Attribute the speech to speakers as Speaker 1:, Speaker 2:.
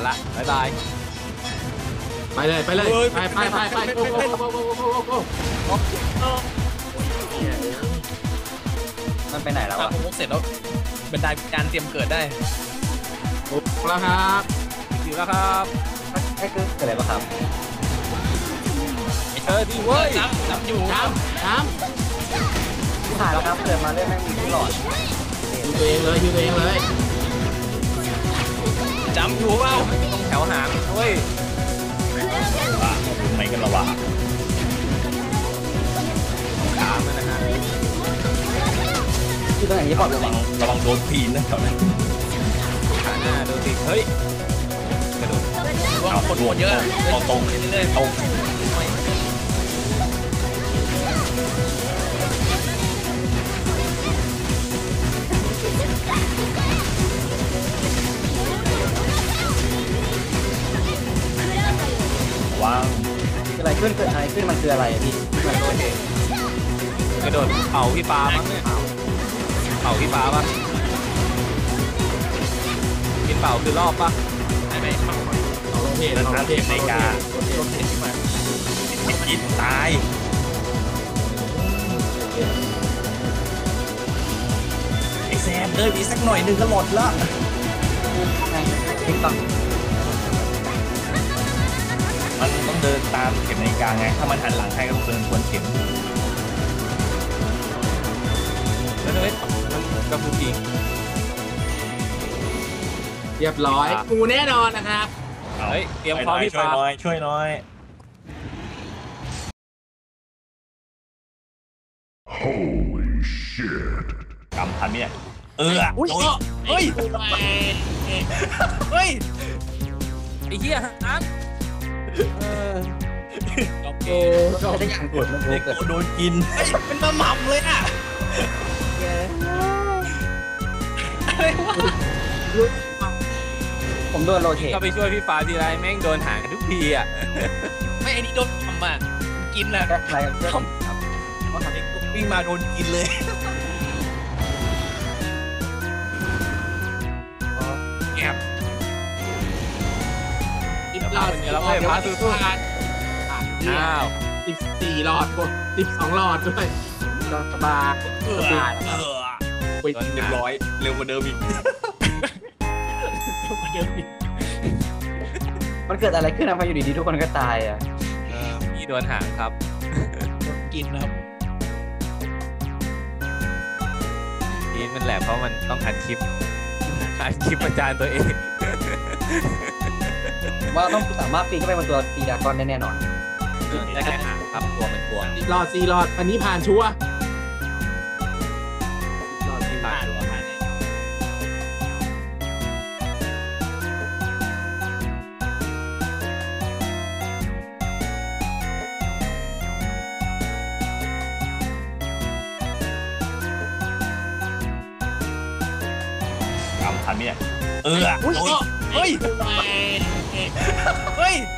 Speaker 1: ละบ๊ายบาย
Speaker 2: ไปเลยไปโอ้
Speaker 3: มันไปไหนแล้วอะ
Speaker 4: ผมมุกเสร็จแล้วเป็นได้การเตรียมเกิดได้
Speaker 2: โหแล้วครับ
Speaker 1: อยู่แล้วครับ
Speaker 3: ให้เกิดอะไรบ้างครับ
Speaker 1: ดีเว้ย
Speaker 4: น้ำอยู่
Speaker 2: น้
Speaker 3: ผ่านแล้วครับเกิดมาเรื่อยแม่งมีทุกหลอด
Speaker 2: อยู่ตัวเองเลย
Speaker 4: จำอยู่เปล่า
Speaker 1: ต้องแถวหางเว้ย
Speaker 4: ไม่กันระวัง
Speaker 1: ตามมันนะฮะ
Speaker 3: ที่ตรงไหนที่บอก
Speaker 4: ระวังโดนปีนนะตอนนั้น
Speaker 1: ขาหน้าโดนติดเฮ้ยกระโดด
Speaker 4: เอาคนหัวเยอะเอาตรงเรื่อยๆตรงว้าว
Speaker 3: อะไรขึ้นเกิดอะไรขึ้นมันคืออะไรพี่มันโดนเอง
Speaker 1: กระโดดเป่าพี่ปลามั้งเนี่ยเป่าพี่ปลาปะกินเป่าคือรอบปะ
Speaker 4: ไม่
Speaker 2: เอาลงเพจ
Speaker 4: ในกากินตายไอแซมเดินอีกสักหน่อยนึงก็หมดละ
Speaker 3: ติ๊กต๊อก
Speaker 4: มันต้องเดินตามเข็มนาฬิกาไงถ้ามันหันหลังให้ก็ต้องเดินทวนเข็ม
Speaker 1: แล้วมันกระพุ้งอีก
Speaker 2: เรียบร้อยกูแน่นอนนะครับ
Speaker 1: เฮ้ยเตรียมพร้อมพี่ปลา
Speaker 4: ช่วยน้อย
Speaker 5: Holy shit
Speaker 4: กำพันเนี่ยเฮ้ยไ
Speaker 1: อ้เหี้ยฮะ
Speaker 3: โอเคก็ได้อย่างกดมัน
Speaker 4: โดนกิน
Speaker 1: เป็นมาหม่ำเลยอ่ะอะไรวะ
Speaker 3: ผมโดนโรเทต
Speaker 1: ก็ไปช่วยพี่ฟ้าทีไรแม่งโดนหางกันทุกทีอ่ะ
Speaker 4: ไม่อันนี้โดนทำอ่ะกินแหละ
Speaker 3: อะไรครับ
Speaker 4: เขาทำเองวิ่งมาโดนกินเลยแอบ
Speaker 2: หลอดแล้วไม่พาสู้อ้าว14หลอดกด12หลอดด้วยสบาย
Speaker 4: ไป100เร็วกว่าเดิมอีก
Speaker 3: มันเกิดอะไรขึ้นนะพออยู่ดีๆทุกคนก็ตายอ่ะ
Speaker 1: พี่โดนหางครับ
Speaker 4: กินนะครับ
Speaker 1: นี่มันแหละเพราะมันต้องอัดคลิปประจานตัวเอง
Speaker 3: ว่าต้องสามารถปีนเข้าไปบนตัวตีดากอนได้แน่นอน
Speaker 1: ได้แค่หางครับตัวมันกลัว
Speaker 2: หลอด4หลอดอันนี้ผ่านชัวร์
Speaker 1: หลอด4ผ่านชัวร์
Speaker 4: กำพันเนี่ยเฮ้ย